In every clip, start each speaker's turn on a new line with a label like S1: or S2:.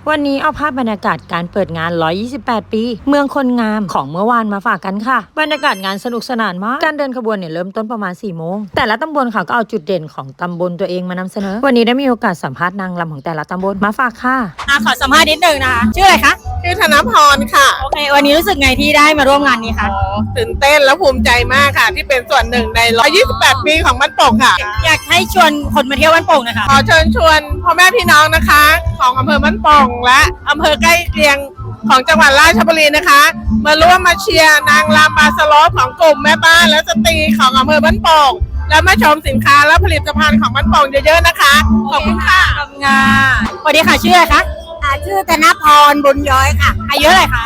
S1: วันนี้เอาภาพบรรยากาศการเปิดงาน 128 ปี เมืองคนงามของเมื่อวานมาฝากกันค่ะ บรรยากาศงานสนุกสนานมาก การเดินขบวนเนี่ยเริ่มต้นประมาณ 4 โมง แต่ละตำบลค่ะก็เอาจุดเด่นของตำบลตัวเองมานำเสนอ วันนี้ได้มีโอกาสสัมภาษณ์นางรำของแต่ละตำบลมาฝากค่ะ
S2: ขอสัมภาษณ์นิดนึงนะคะชื่ออะไรคะ
S3: ชื่อธนพรค่ะ
S2: โอเควันนี้รู้สึกไงที่ได้มาร่วมงานนี้คะ
S3: ตื่นเต้นและภูมิใจมากค่ะ ที่เป็นส่วนหนึ่งใน 128 ปีของบ้านโป่งค่ะ
S2: อยากให้ชวนคนมาเที่ยวบ้านโป่งนะคะ
S3: ขอเชิญชวนพ่อแม่พี่น้องนะคะ ของอำเภอบ้านโป่งและอำเภอใกล้เคียงของจังหวัดราชบุรีนะคะ มาร่วมมาเชียร์นางรำบาสโลปของกลุ่มแม่บ้านและสตรีของอำเภอบ้านโป่งและมาชมสินค้าและผลิตภัณฑ์ของบ้านโป่งเยอะๆนะคะขอบคุณค่ะ
S2: ทำงานสวัสดีค่ะชื่ออะไรคะ
S4: ชื่อธนพรบุญย้อยค่ะ
S2: อายุเท่าไหร่คะ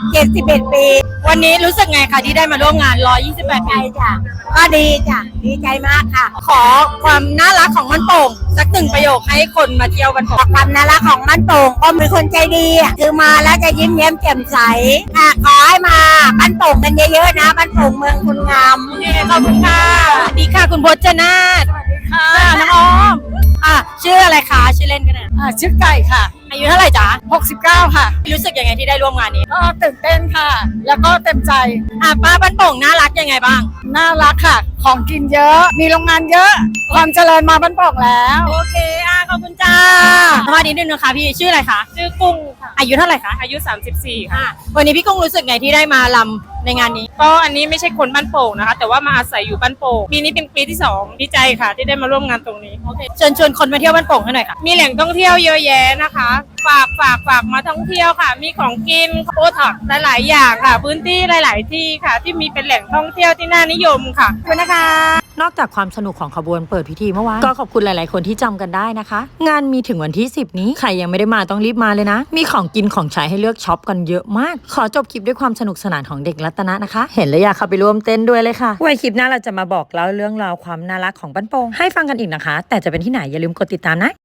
S4: 71 ปี
S2: วันนี้รู้สึกไงคะที่ได้มาร่วมงาน 128 ปี
S4: จ้ะก็ดีจ้ะดีใจมากค่ะ
S2: ขอความน่ารักของบ้านโป่งสักหนึ่งประโยคให้คนมาเที่ยวบ้านโป่ง
S4: ความน่ารักของบ้านโป่งก็มีคนใจดีคือมาแล้วจะยิ้มแย้มแจ่มใสค่ะขอให้มาบ้านโป่งกันเยอะๆนะบ้านโป่งเมืองคุณงาม
S2: ขอบคุณค่ะสวัสดีค่ะคุณพจนาถสวัสดีค่ะน้องอ้อมชื่ออะไรคะชื่อเล่นกันนะ
S3: ชื่อไก่ค่ะ
S2: อายุเท่าไหร่จ๊ะ
S3: 69ค่ะ
S2: รู้สึกยังไงที่ได้ร่วมงานนี้
S3: ก็ตื่นเต้นค่ะแล้วก็เต็มใจ
S2: ป้าบ้านโป่งน่ารักยังไงบ้าง
S3: น่ารักค่ะของกินเยอะมีโรงงานเยอะความเจริญมาบ้านโป่งแล้ว
S2: โอเคขอบคุณจ้าสวัสดีนิดนึงค่ะพี่ชื่ออะไรคะ
S3: ชื่อกุ้งค่ะ
S2: อายุเท่าไหร่คะ
S3: อายุ34ค่ะ
S2: วันนี้พี่กุ้งรู้สึกไงที่ได้มาลำในงานนี้
S3: ก็อันนี้ไม่ใช่คนบ้านโป่งนะคะแต่ว่ามาอาศัยอยู่บ้านโป่งปีนี้เป็นปีที่2ดีใจค่ะที่ได้มาร่วมงานตรงนี้
S2: โอเคเชิญชวนคนมาเที่ยวบ้านโป่งให้หน่อยค่ะ
S3: มีแหล่งท่องเที่ยวเยอะแยะนะคะฝากมาท่องเที่ยวค่ะมีของกินโอท็อปหลายๆอย่างค่ะพื้นที่หลายๆที่ค่ะที่มีเป็นแหล่งท่องเที่ยวที่น่านิยมค่ะ
S2: ขอบคุณนะคะ
S1: นอกจากความสนุกของขบวนเปิดพิธีเมื่อวานก็ขอบคุณหลายๆคนที่จำกันได้นะคะงานมีถึงวันที่10นี้ใครยังไม่ได้มาต้องรีบมาเลยนะมีของกินของใช้ให้เลือกช็อปกันเยอะมากขอจบคลิปด้วยความสนุกสนานของเด็กรัตนะนะคะเห็นแล้วอยากเข้าไปร่วมเต้นด้วยเลยค่ะไว้คลิปหน้าเราจะมาบอกเล่าเรื่องราวความน่ารักของบ้านโป่งให้ฟังกันอีกนะคะแต่จะเป็นที่ไหนอย่าลืมกดติดตามนะ